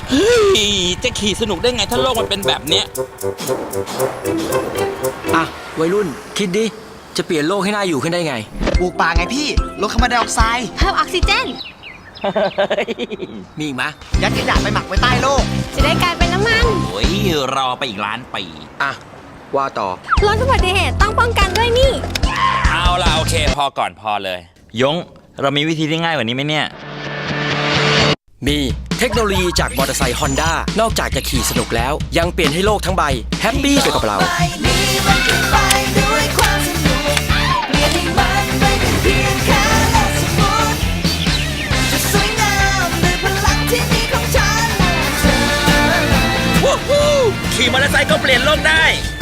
เฮ้ยจะขี่สนุกได้ไงถ้าโลกมันเป็นแบบเนี้ยอ่ะวัยรุ่นคิดดิจะเปลี่ยนโลกให้น่าอยู่ขึ้นได้ไงปลูกป่าไงพี่ลดคาร์บอนไดออกไซด์เพิ่มออกซิเจนมีอีกไหมยัดขยะไปหมักไว้ใต้โลกจะได้กลายเป็นน้ำมันโอ้ยรอไปอีกล้านปีอ่ะว่าต่อลดอุบัติเหตุต้องป้องกันด้วยนี่เอาล่ะโอเคพอก่อนพอเลยยงเรามีวิธีที่ง่ายกว่านี้ไหมเนี่ยมีเทคโนโลยีจากมอเตอร์ไซค์ฮอนด้านอกจากจะขี่สนุกแล้วยังเปลี่ยนให้โลกทั้งใบแฮปปี้ไปกับเราขี่มอเตอร์ไซค์ก็เปลี่ยนโลกได้